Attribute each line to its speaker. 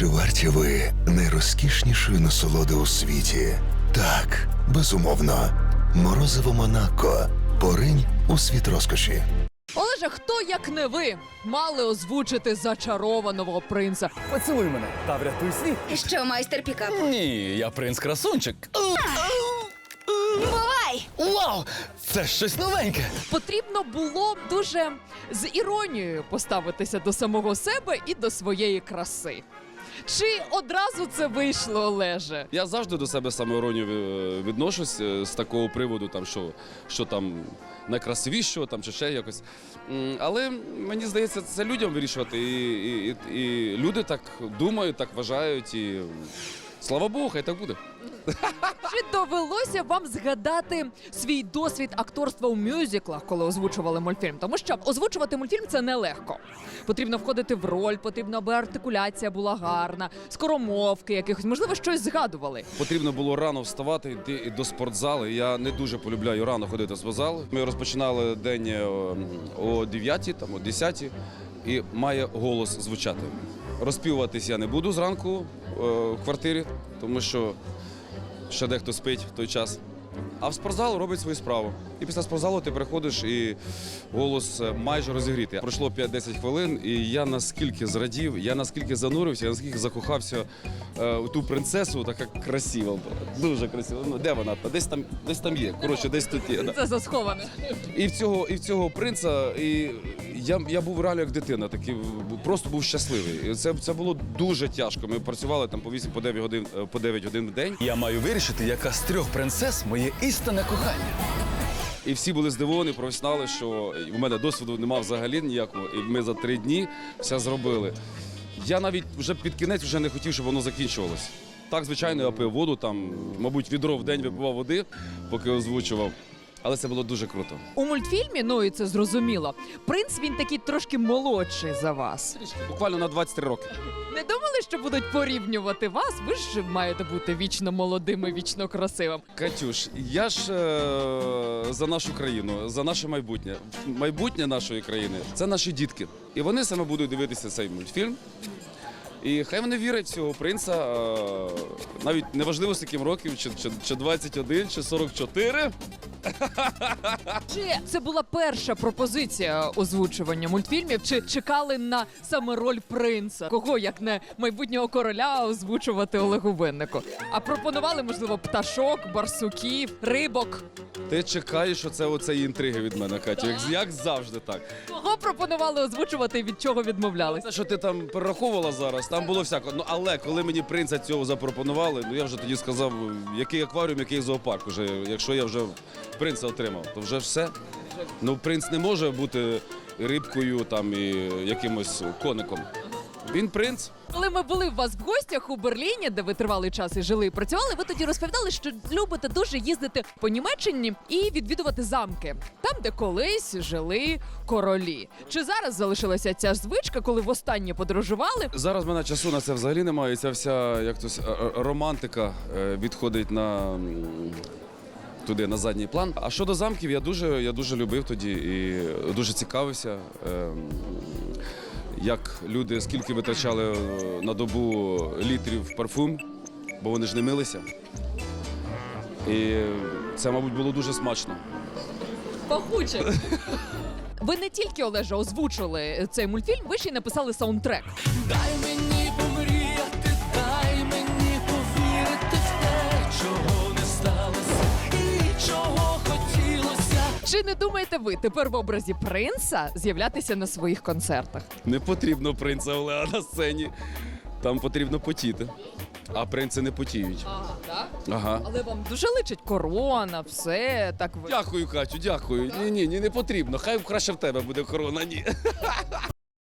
Speaker 1: Чи варті ви найрозкішнішої насолоди у світі? Так, безумовно. Морозиво Монако. Поринь у світ розкоші.
Speaker 2: Олеже, хто, як не ви, мали озвучити зачарованого принца?
Speaker 3: Поцілуй мене та врятуй світ.
Speaker 4: Що, майстер пікап?
Speaker 3: Ні, я принц-красунчик.
Speaker 4: Бувай!
Speaker 3: Вау! Це щось новеньке.
Speaker 2: Потрібно було дуже з іронією поставитися до самого себе і до своєї краси. Чи одразу це вийшло, Олеже?
Speaker 5: Я завжди до себе самоіронію відношусь з такого приводу, там, що там найкрасивішого там, чи ще якось. Але мені здається, це людям вирішувати. І люди так думають, так вважають. І слава Богу, хай так буде.
Speaker 2: Чи довелося вам згадати свій досвід акторства у мюзиклах, коли озвучували мультфільм? Тому що озвучувати мультфільм – це нелегко. Потрібно входити в роль, потрібно, аби артикуляція була гарна, скоромовки якихось, можливо, щось згадували.
Speaker 5: Потрібно було рано вставати, йти до спортзалу. Я не дуже полюбляю рано ходити в спортзал. Ми розпочинали день о 9, там, о 10, і має голос звучати. Розпівуватись я не буду зранку в квартирі, тому що ще дехто спить в той час. А в спортзал робить свою справу. І після спортзалу ти приходиш і голос майже розігрітий. Пройшло 5-10 хвилин, і я наскільки зрадів, я наскільки занурився, я наскільки закохався у ту принцесу, така красива була, дуже красива. Ну, де вона? Десь там є, коротше, десь тут є. Да.
Speaker 2: Це засховане.
Speaker 5: І в цього принца, і я був реально як дитина, такий, просто був щасливий. І це було дуже тяжко. Ми працювали там по 8-9 годин в день.
Speaker 3: Я маю вирішити, яка з 3 принцес моє істинне кохання.
Speaker 5: І всі були здивовані, професіонали, що у мене досвіду немає взагалі ніякого, і ми за 3 дні все зробили. Я навіть вже під кінець вже не хотів, щоб воно закінчувалось. Так, звичайно, я пив воду, там, мабуть, відро в день випивав води, поки озвучував. Але це було дуже круто.
Speaker 2: У мультфільмі, ну і це зрозуміло, принц він такий трошки молодший за вас.
Speaker 5: Буквально на 23 роки.
Speaker 2: Не думали, що будуть порівнювати вас? Ви ж маєте бути вічно молодим і вічно красивим.
Speaker 5: Катюш, я ж за нашу країну, за наше майбутнє. Майбутнє нашої країни – це наші дітки. І вони саме будуть дивитися цей мультфільм. І хай вони вірять в цього принца, навіть неважливо, з яким років, чи 21, чи 44.
Speaker 2: Чи це була перша пропозиція озвучування мультфільмів? Чи чекали на саме роль принца? Кого, як не майбутнього короля, озвучувати Олегу Виннику? А пропонували, можливо, пташок, барсуків, рибок?
Speaker 5: Ти чекаєш, що це оце інтриги від мене, Катю, як завжди так.
Speaker 2: Кого пропонували озвучувати і від чого відмовлялись?
Speaker 5: Те, що ти там перераховувала зараз, там було всяко. Ну, але коли мені принца цього запропонували, ну я вже тоді сказав, який акваріум, який зоопарк. Уже, якщо я вже принца отримав, то вже все. Ну, принц не може бути рибкою там і якимось коником. Він принц.
Speaker 2: Коли ми були у вас в гостях у Берліні, де ви тривалий час і жили і працювали, ви тоді розповідали, що любите дуже їздити по Німеччині і відвідувати замки, там, де колись жили королі. Чи зараз залишилася ця звичка, коли востаннє подорожували?
Speaker 5: Зараз в мене часу на це взагалі немає. І ця вся як то, романтика відходить туди, на задній план. А щодо замків, я дуже любив тоді і дуже цікавився, як люди, скільки витрачали на добу літрів парфум, бо вони ж не милися. І це, мабуть, було дуже смачно.
Speaker 2: Пахуче. Ви не тільки, Олеже, озвучили цей мультфільм, ви ще й написали саундтрек.
Speaker 6: Дай мені помріяти, дай мені повірити в те, чого не сталося і чого хотілося.
Speaker 2: Чи не думаєте ви тепер в образі принца з'являтися на своїх концертах?
Speaker 5: Не потрібно принца Олега на сцені, там потрібно потіти. А принци не потіють.
Speaker 2: Ага, так?
Speaker 5: Ага.
Speaker 2: Але вам дуже личить корона, все так ви.
Speaker 5: Дякую, Катю, дякую. Ні, не потрібно. Хай краще в тебе буде корона, ні.